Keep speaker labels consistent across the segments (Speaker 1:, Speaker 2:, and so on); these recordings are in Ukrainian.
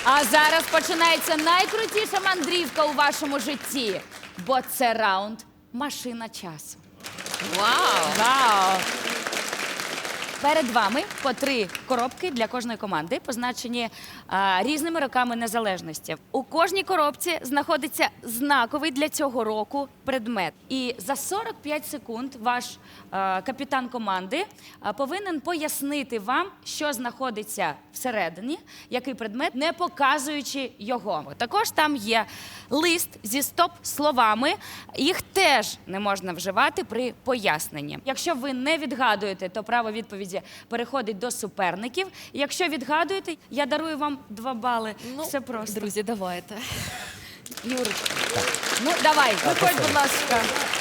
Speaker 1: А зараз починається найкрутіша мандрівка у вашому житті, бо це раунд «Машина часу».
Speaker 2: Вау!
Speaker 1: Вау! Перед вами по 3 коробки для кожної команди, позначені різними роками незалежності. У кожній коробці знаходиться знаковий для цього року предмет. І за 45 секунд ваш капітан команди повинен пояснити вам, що знаходиться всередині, який предмет, не показуючи його. Також там є лист зі стоп-словами. Їх теж не можна вживати при поясненні. Якщо ви не відгадуєте, то право відповіді переходить до суперників. Якщо відгадуєте, я дарую вам 2 бали. Все просто.
Speaker 2: Друзі, давайте.
Speaker 1: Юрочка. Ну, давай, виходь, будь ласка.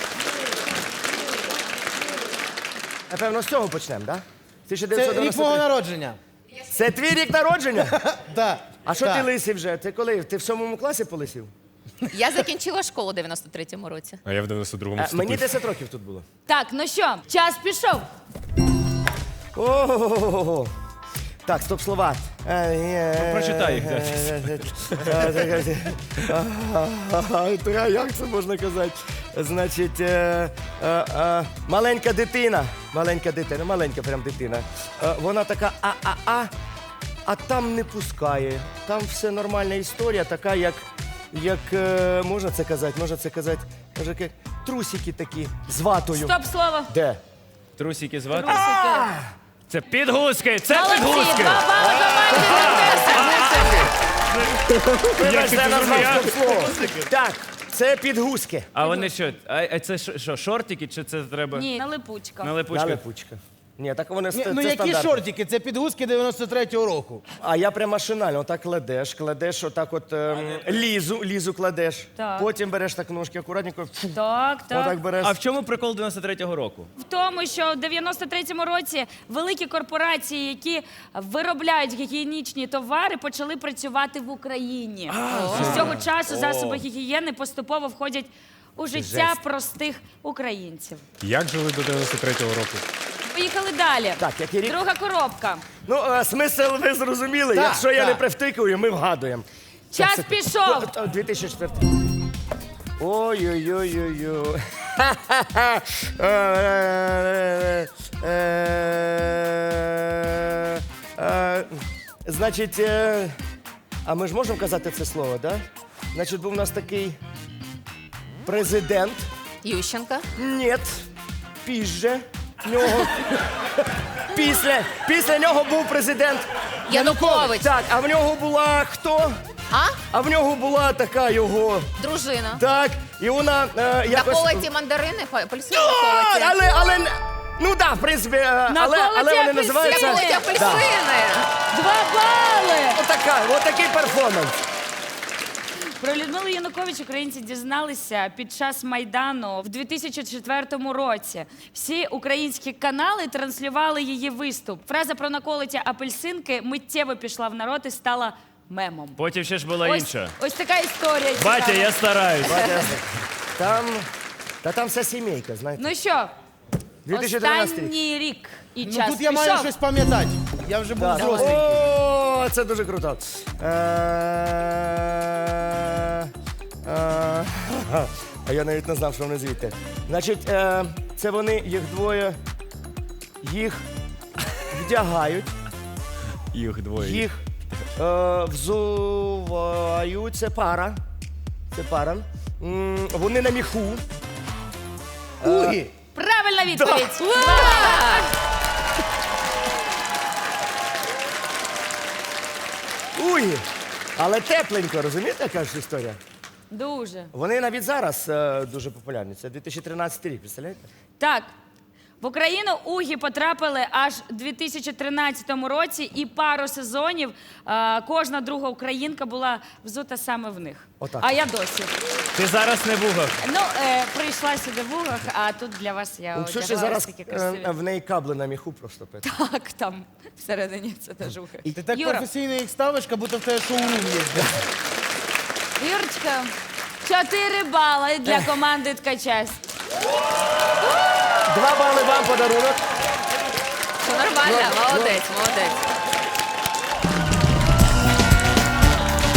Speaker 3: Напевно, з цього почнемо, так?
Speaker 4: Це рік
Speaker 3: 1993.
Speaker 4: мого народження.
Speaker 3: Це твій рік народження?
Speaker 4: Так.
Speaker 3: А що ти лисий вже? Ти коли? Ти в 7 класі полисів?
Speaker 2: Я закінчила школу у 93-му році.
Speaker 5: А я в 92-му вступив.
Speaker 3: Мені 10 років тут було.
Speaker 1: Так, ну що, час пішов.
Speaker 3: Ого. Так, стоп слова.
Speaker 5: Прочитай їх,
Speaker 3: Як це можна казати? Значить, маленька дитина, маленька прям дитина. Вона така а там не пускає. Там все нормальна історія, така, як можна це казати, може, трусики такі з ватою.
Speaker 1: Стоп слово.
Speaker 3: Де?
Speaker 5: Трусики звати?
Speaker 1: Трусики.
Speaker 5: Це підгузки! Це
Speaker 1: Молодці,
Speaker 5: підгузки!
Speaker 1: 2 бали команді.
Speaker 3: Вибачте, я назвав
Speaker 5: зрозумів.
Speaker 3: стоп-слово. Так, це підгузки.
Speaker 5: А вони що? А це що, шортики, чи це треба?
Speaker 1: Ні, налипучка.
Speaker 5: Налипучка?
Speaker 3: Налипучка. Ні, так вони
Speaker 4: Ну
Speaker 3: це
Speaker 4: які
Speaker 3: стандарт.
Speaker 4: шортики? Це підгузки 93-го року.
Speaker 3: А я прям машинально, отак кладеш отак от лізу кладеш.
Speaker 1: Так.
Speaker 3: Потім береш так ножки акуратненько,
Speaker 1: Так, так.
Speaker 3: отак береш.
Speaker 5: А в чому прикол 93-го року?
Speaker 1: В тому, що в 93-му році великі корпорації, які виробляють гігієнічні товари, почали працювати в Україні. І з цього часу засоби гігієни поступово входять у життя
Speaker 3: Жесть.
Speaker 1: простих українців.
Speaker 5: Як жили до 93-го року?
Speaker 1: Поїхали далі.
Speaker 3: Так, який рік?
Speaker 1: Друга коробка.
Speaker 3: Ну, смисл ви зрозуміли.
Speaker 4: Так,
Speaker 3: Якщо я
Speaker 4: так.
Speaker 3: не привтикую, ми вгадуємо.
Speaker 1: Час пішов.
Speaker 3: 2004. Ой-ой-ой-ой-ой. Значить, а ми ж можемо казати це слово, так? Да? Значить, був у нас такий президент.
Speaker 2: Ющенка.
Speaker 3: Ні, пізже нього. Після нього був президент
Speaker 2: Янукович.
Speaker 3: Так, а в нього була хто? А в нього була така його.
Speaker 2: Дружина.
Speaker 3: Так, і вона якось...
Speaker 2: Наколоті мандарини, апельсини
Speaker 3: А,
Speaker 2: наколоті.
Speaker 3: але, ну да, в принципі, але вони називаються...
Speaker 2: Наколоті апельсини.
Speaker 1: 2 бали.
Speaker 3: Отакий перформанс.
Speaker 1: Про Людмилу Янукович українці дізналися під час Майдану в 2004 році. Всі українські канали транслювали її виступ. Фраза про наколоті апельсинки миттєво пішла в народ і стала мемом.
Speaker 5: Потім ще ж була інша.
Speaker 1: Ось така історія.
Speaker 5: Батя,
Speaker 1: цікава.
Speaker 5: я стараюсь.
Speaker 3: Там вся сімейка, знаєте.
Speaker 1: Ну що,
Speaker 3: 2013 рік.
Speaker 1: останній рік і
Speaker 4: Ну
Speaker 1: час
Speaker 4: тут я
Speaker 1: пішов.
Speaker 4: маю щось пам'ятати. Я вже був
Speaker 3: Так.
Speaker 4: взрослий.
Speaker 3: О, це дуже круто. А я навіть не знав, що вони звідти. Значить, це вони, їх двоє, їх вдягають,
Speaker 5: Їх двоє.
Speaker 3: їх взувають. Це пара. Вони на міху.
Speaker 4: Угі.
Speaker 1: Правильна відповідь.
Speaker 3: Уй! Але тепленько, розумієте, яка ж історія?
Speaker 1: Дуже.
Speaker 3: Вони навіть зараз дуже популярні. Це 2013 рік, представляєте?
Speaker 1: Так, в Україну угі потрапили аж у 2013 році, і пару сезонів кожна друга українка була взута саме в них.
Speaker 3: Отак.
Speaker 1: А я досі.
Speaker 5: Ти зараз не в угах.
Speaker 1: Ну, прийшла сюди в угах, а тут для вас я
Speaker 3: У Ксюші
Speaker 1: одягла
Speaker 3: зараз
Speaker 1: ось такі красиві.
Speaker 3: в неї кабли на міху просто.
Speaker 1: Так, там всередині це теж ухи.
Speaker 4: Ти так
Speaker 1: Юра,
Speaker 4: професійно їх ставиш, як будто в тебе шоурум є.
Speaker 1: Юрочка, 4 бали для команди Ткачась.
Speaker 3: 2 бали вам подарунок.
Speaker 2: Все нормально, молодець, молодець.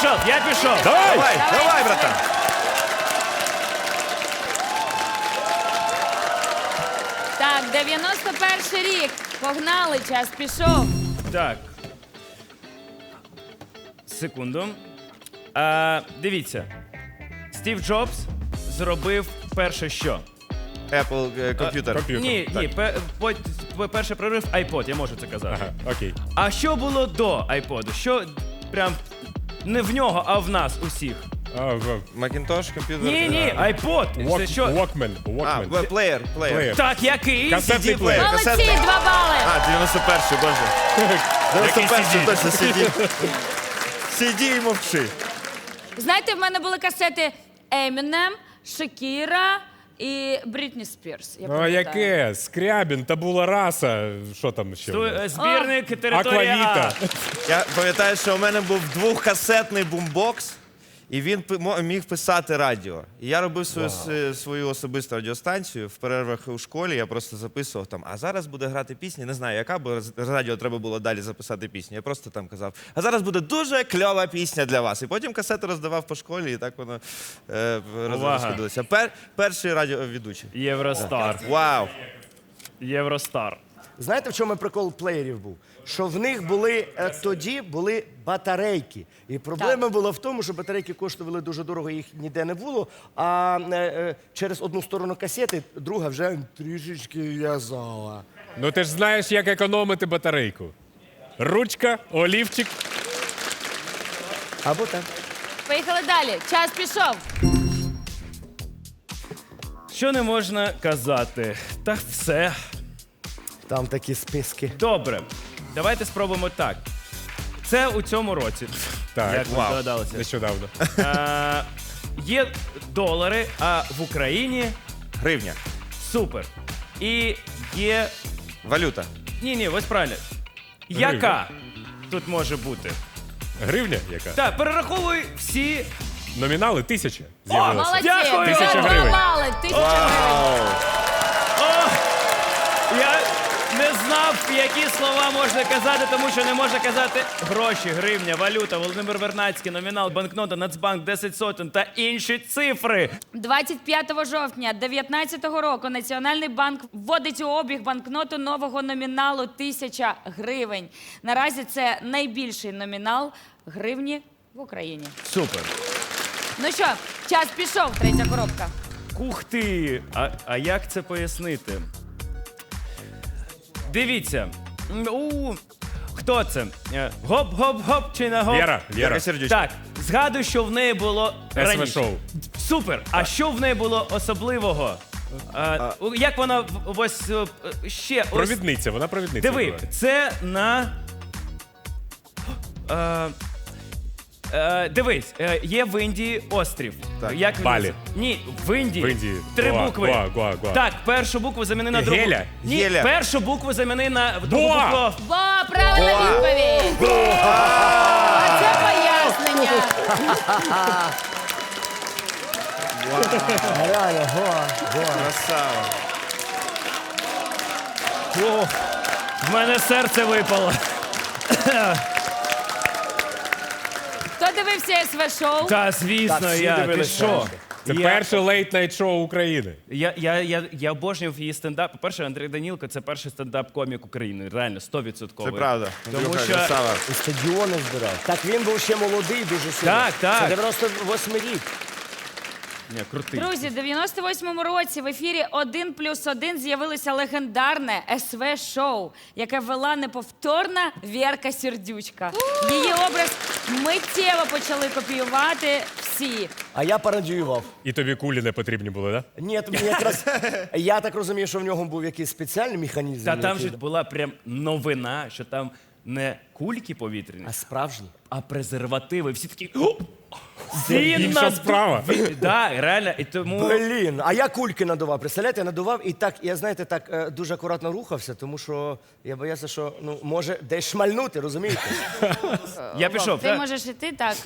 Speaker 5: пішов.
Speaker 6: Давай, братан.
Speaker 1: Так, 91 рік. Погнали, час пішов.
Speaker 5: Так. Секунду. Дивіться. Стів Джобс зробив перше що?
Speaker 6: Apple комп'ютер.
Speaker 5: Ні, перший прорив iPod, я можу це казати.
Speaker 7: Ага, окей.
Speaker 5: А що було до iPod? Що прям не в нього, а в нас усіх?
Speaker 6: Macintosh комп'ютер.
Speaker 5: Ні, iPod. Це що?
Speaker 7: Walkman.
Speaker 6: Плеєр.
Speaker 5: Так, який?
Speaker 7: Касетний
Speaker 6: CD-плеєр.
Speaker 7: плеєр.
Speaker 1: Молодці,
Speaker 6: Касетний.
Speaker 1: 2 бали.
Speaker 6: 91-й, боже. 91-й точно CD. CD і мовчи.
Speaker 1: Знаєте, в мене були касети Eminem, Шакіра і Брітні Спірс. Я
Speaker 7: Ну а
Speaker 1: пам'ятаю.
Speaker 7: яке? Скрябін, табула раса. Що там ще?
Speaker 5: Збірник територія
Speaker 7: Аквавіта.
Speaker 5: А.
Speaker 6: Я пам'ятаю, що у мене був двохкасетний бумбокс, і він міг писати радіо. І я робив свою особисту радіостанцію в перервах у школі. Я просто записував там, а зараз буде грати пісня, не знаю яка, бо з радіо треба було далі записати пісню. Я просто там казав, а зараз буде дуже кльова пісня для вас. І потім касети роздавав по школі, і так воно розходилося. Перший радіоведучий.
Speaker 5: Євростар.
Speaker 6: Вау!
Speaker 5: Євростар.
Speaker 3: Знаєте, в чому прикол плеєрів був? Що в них були тоді були батарейки. І проблема була в тому, що батарейки коштували дуже дорого, їх ніде не було. А через одну сторону касети, друга вже трішечки в'язала.
Speaker 7: Ну ти ж знаєш, як економити батарейку. Ручка, олівчик.
Speaker 3: Або так.
Speaker 1: Поїхали далі. Час пішов.
Speaker 5: Що не можна казати? Та все.
Speaker 3: Там такі списки.
Speaker 5: Добре. Давайте спробуємо так. Це у цьому році.
Speaker 7: Так,
Speaker 5: Як ви здогадалися.
Speaker 7: Нещодавно.
Speaker 5: Є долари, а в Україні
Speaker 6: Гривня.
Speaker 5: супер. І є.
Speaker 6: Валюта.
Speaker 5: Ні, ось правильно. Яка тут може бути?
Speaker 7: Гривня яка?
Speaker 5: Так, перераховуй всі.
Speaker 7: Номінали 1000 з'явилося.
Speaker 1: Молодці.
Speaker 5: Дякую.
Speaker 7: 1000
Speaker 1: 2
Speaker 7: гривень.
Speaker 1: бали. 1000 гривень.
Speaker 5: Я не знав, які слова можна казати, тому що не можна казати гроші, гривня, валюта, Володимир Вернадський, номінал, банкнота, Нацбанк, 10 сотень та інші цифри.
Speaker 1: 25 жовтня 2019 року Національний банк вводить у обіг банкноту нового номіналу 1000 гривень. Наразі це найбільший номінал гривні в Україні.
Speaker 5: Супер.
Speaker 1: Ну що, час пішов, третя коробка.
Speaker 5: Ух ти! А як це пояснити? Дивіться. Хто це? Гоп-гоп-гоп чи не гоп?
Speaker 7: Віра.
Speaker 6: Віра Сердючка.
Speaker 5: Так, згадую, що в неї було раніше.
Speaker 7: СВ-шоу.
Speaker 5: Супер! А що в неї було особливого? Як вона ось ще... ось-
Speaker 7: Провідниця, вона провідниця.
Speaker 5: Диви,
Speaker 7: була.
Speaker 5: це на... Дивись, є в Індії острів.
Speaker 6: Так.
Speaker 5: Як він
Speaker 7: Балі.
Speaker 5: називається? Ні, в Індії.
Speaker 7: В Індії.
Speaker 5: 3
Speaker 7: Гоа,
Speaker 5: букви.
Speaker 7: Гоа.
Speaker 5: Так, першу букву заміни на другу.
Speaker 7: Геля?
Speaker 5: Ні,
Speaker 6: Геля.
Speaker 5: першу букву заміни на другу
Speaker 7: Боа.
Speaker 5: букву.
Speaker 1: Бо правильна відповідь. А це пояснення.
Speaker 3: Реально,
Speaker 6: Красава.
Speaker 5: В мене серце випало.
Speaker 1: Хто дивився СВ-шоу?
Speaker 5: Та, звісно,
Speaker 3: Так, всі
Speaker 5: я. Ти
Speaker 3: дивилися.
Speaker 5: що?
Speaker 7: Це перше лейт-найт-шоу України.
Speaker 5: Я обожнював її стендап. По-перше, Андрій Данілко – це перший стендап-комік України. Реально, 100%.
Speaker 6: Це правда.
Speaker 5: Тому
Speaker 6: Андрюха,
Speaker 5: що...
Speaker 6: красава.
Speaker 3: І стадіони збирав. Так він був ще молодий, дуже сильно.
Speaker 5: Так.
Speaker 3: Це 98 рік.
Speaker 5: Ні, крутий.
Speaker 1: Друзі, в 98-му році в ефірі «1+1» з'явилося легендарне СВ-шоу, яке вела неповторна Вєрка Сердючка. Її образ миттєво почали копіювати всі.
Speaker 3: А я пародіював.
Speaker 7: І тобі кулі не потрібні були, так?
Speaker 3: Ні, тобі якраз я так розумію, що в нього був якийсь спеціальний механізм.
Speaker 5: Та там
Speaker 3: який-
Speaker 5: же була прям новина, що там не кульки повітряні,
Speaker 3: А справжній.
Speaker 5: а презервативи. Всі такі... «О, він
Speaker 7: інша
Speaker 5: нас-
Speaker 7: справа».
Speaker 5: Так, реально. І тому...
Speaker 3: Блін, а я кульки надував. Представляєте, я надував і так, я знаєте, так дуже акуратно рухався, тому що я боявся, що ну може десь шмальнути, розумієте?
Speaker 5: Я пішов,
Speaker 1: Ти
Speaker 5: так?
Speaker 1: можеш іти так.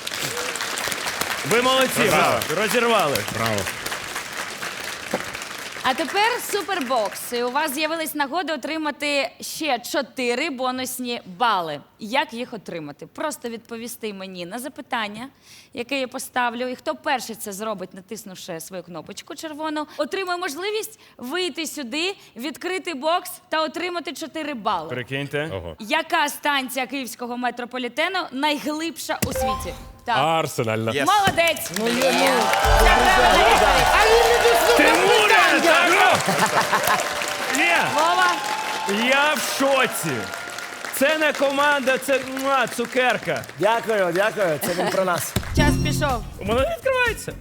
Speaker 5: Ви молодці, ви розірвали.
Speaker 7: Браво.
Speaker 1: А тепер супербокс. І у вас з'явилась нагода отримати ще 4 бонусні бали. Як їх отримати? Просто відповісти мені на запитання, яке я поставлю. І хто перший це зробить, натиснувши свою кнопочку червону, отримує можливість вийти сюди, відкрити бокс та отримати 4 бали.
Speaker 5: Прикиньте.
Speaker 7: Ого.
Speaker 1: Яка станція київського метрополітену найглибша у світі? Так.
Speaker 7: Арсенальна.
Speaker 6: Yes.
Speaker 1: Молодець!
Speaker 4: Ну, є,
Speaker 1: Це правильна відповідь.
Speaker 4: А він не дослухав питання!
Speaker 5: Ні,
Speaker 1: Вова,
Speaker 5: я в шоці. Це не команда, це цукерка.
Speaker 3: Дякую, дякую. Це він про нас.
Speaker 1: час пішов.
Speaker 5: У мене не відкривається.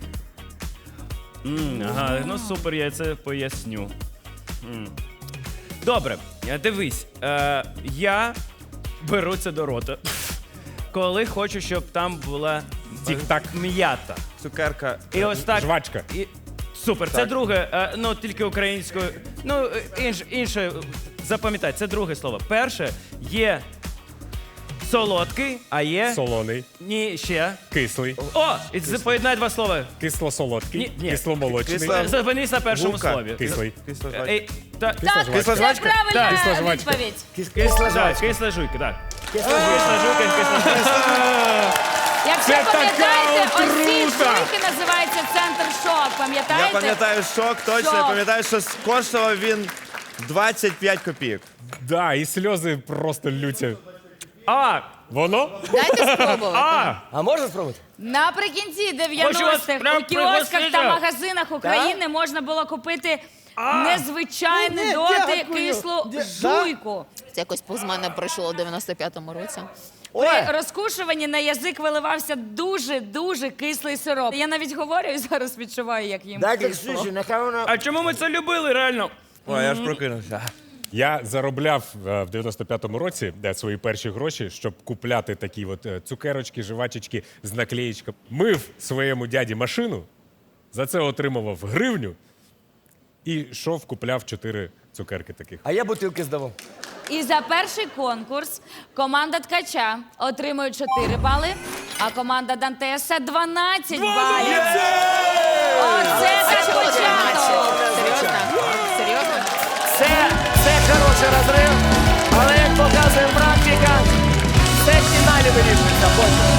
Speaker 5: Ага, ну супер, я це поясню. Добре, дивись, я беру це до рота, коли хочу, щоб там була
Speaker 7: Тік-так.
Speaker 5: м'ята.
Speaker 6: Цукерка.
Speaker 5: І ось так.
Speaker 7: Жвачка.
Speaker 5: І... Супер, це друге, ну тільки українською. Ну, інше, запам'ятай, це друге слово. Перше є солодкий, а є.
Speaker 7: Солоний.
Speaker 5: Ні, ще.
Speaker 7: Кислий.
Speaker 5: О! І це поєднай два слова.
Speaker 7: Кисло-солодкий.
Speaker 5: Ні.
Speaker 7: Кисломолочний.
Speaker 6: Кисло-
Speaker 5: Зупинись на першому
Speaker 6: Гулка.
Speaker 5: слові.
Speaker 7: Кислий.
Speaker 6: Кисла жвачка.
Speaker 5: Ей, та-
Speaker 1: Так,
Speaker 6: Кисла
Speaker 1: це
Speaker 6: жвачка?
Speaker 1: правильна
Speaker 5: Так.
Speaker 7: Кисла жвачка.
Speaker 1: відповідь.
Speaker 3: Кисла
Speaker 5: Так,
Speaker 3: жвачка.
Speaker 5: кисла жуйка, так.
Speaker 3: Кисла жвачка.
Speaker 5: Кисла жуйка, кисла жуйка.
Speaker 1: Якщо
Speaker 7: Це така
Speaker 1: пам'ятаєте, ось ці
Speaker 7: отрута!
Speaker 1: штуки називаються центр шок. Пам'ятаєте?
Speaker 6: Я пам'ятаю шок, точно. Я
Speaker 1: Шок.
Speaker 6: пам'ятаю, що коштував він 25 копійок.
Speaker 7: Да, і сльози просто лються.
Speaker 5: А,
Speaker 7: Воно?
Speaker 2: Дайте спробувати.
Speaker 3: А можна спробувати?
Speaker 1: Наприкінці
Speaker 5: Хочу вас
Speaker 1: 90-х
Speaker 5: прям
Speaker 1: у кіосках
Speaker 5: пригостити.
Speaker 1: та магазинах України можна було купити незвичайну
Speaker 4: Ні,
Speaker 1: доти
Speaker 4: дякую.
Speaker 1: кислу
Speaker 4: Да?
Speaker 1: жуйку.
Speaker 2: Це якось повз мене пройшло у 95-му році.
Speaker 1: При розкушуванні на язик виливався дуже кислий сироп. Я навіть говорю і зараз відчуваю, як їм
Speaker 3: Дайте
Speaker 1: кисло.
Speaker 3: Ксюші, нехай вона...
Speaker 5: а чому ми це любили, реально?
Speaker 6: Ой, я ж прокинувся.
Speaker 7: Я заробляв в 95-му році свої перші гроші, щоб купляти такі от цукерочки, жвачечки з наклеєчками. Мив своєму дяді машину, за це отримував гривню і йшов, купляв 4 цукерки таких.
Speaker 3: А я бутилки здавав.
Speaker 1: І за перший конкурс команда Ткача отримує 4 бали, а команда Дантеса 12 балів. Оце
Speaker 2: А
Speaker 1: так
Speaker 2: чого
Speaker 1: початок.
Speaker 2: 13? Серйозно? Серйозно?
Speaker 3: Це хороший розрив, але як показує практика, все в фіналі вирішується потім.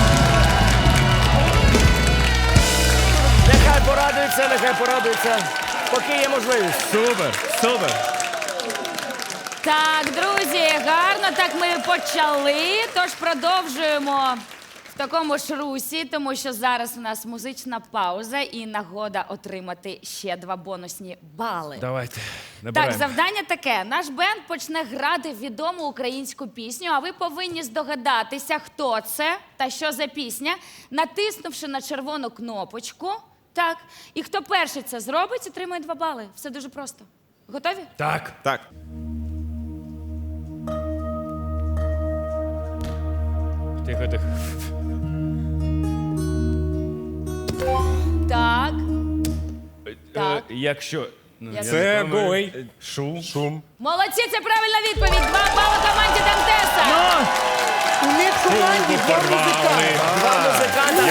Speaker 3: Нехай порадуються, поки є можливість.
Speaker 5: Супер, супер.
Speaker 1: Так, друзі, гарно так ми почали. Тож продовжуємо в такому ж русі, тому що зараз у нас музична пауза і нагода отримати ще 2 бонусні бали.
Speaker 5: Давайте,
Speaker 1: Так,
Speaker 5: набираємо.
Speaker 1: завдання таке. Наш бенд почне грати відому українську пісню, а ви повинні здогадатися, хто це та що за пісня, натиснувши на червону кнопочку. Так, і хто перший це зробить, отримує 2 бали. Все дуже просто. Готові?
Speaker 5: Так.
Speaker 6: Так.
Speaker 5: Тихо, тихо.
Speaker 1: Так. Так.
Speaker 5: Якщо... ну, я
Speaker 7: Це
Speaker 5: не пам'ятаю.
Speaker 7: гой. Шум.
Speaker 1: Молодці, це правильна відповідь. 2 бали команді Дантеса.
Speaker 4: У них в команді два музиканти.
Speaker 3: Два музиканти.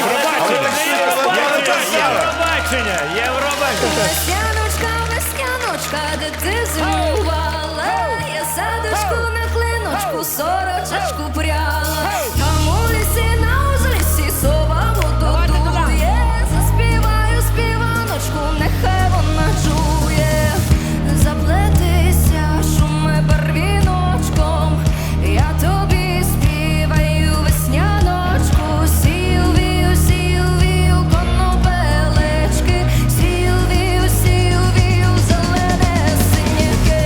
Speaker 5: Євробачення! Євробачення!
Speaker 8: Весняночка, весняночка, де ти зимувала? Я садочку на клиночку, сорочечку пряла. Там у лісі, на узліссі, сова мотодує. Заспіваю співаночку, нехай вона чує. Заплетися, шуми барвіночком, я тобі співаю весняночку. Сію, вію, конопелечки, сію, вію, зелене синяки.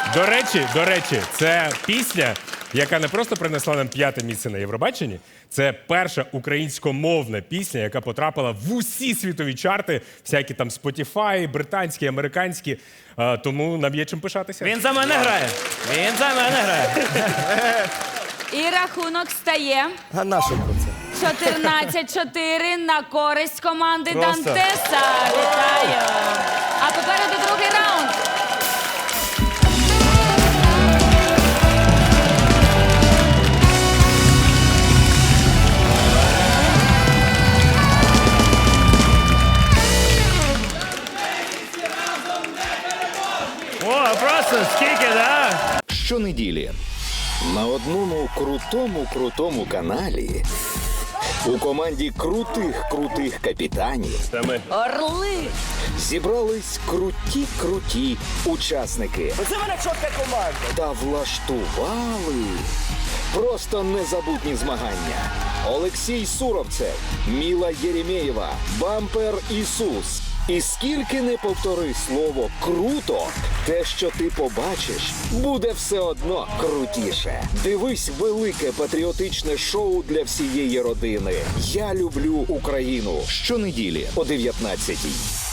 Speaker 7: До речі, це пісня, яка не просто принесла нам 5-те місце на Євробаченні, це перша українськомовна пісня, яка потрапила в усі світові чарти, всякі там Spotify, британські, американські. Тому нам є чим пишатися.
Speaker 5: Він за мене грає. Він за мене грає.
Speaker 1: І рахунок стає
Speaker 3: А на що це?
Speaker 1: 14-4 на користь команди
Speaker 6: Просто.
Speaker 1: Дантеса. Вітаю! А попереду другий раунд.
Speaker 5: О, просто скільки, да?
Speaker 9: Щонеділі на одному крутому каналі у команді крутих капітанів
Speaker 1: Орли!
Speaker 9: зібрались круті учасники.
Speaker 3: Це мене чотка команда.
Speaker 9: Та влаштували просто незабутні змагання. Олексій Суровцев, Міла Єремєєва, Бампер Ісус. І скільки не повтори слово «круто», те, що ти побачиш, буде все одно крутіше. Дивись велике патріотичне шоу для всієї родини. Я люблю Україну. Щонеділі о 19-й.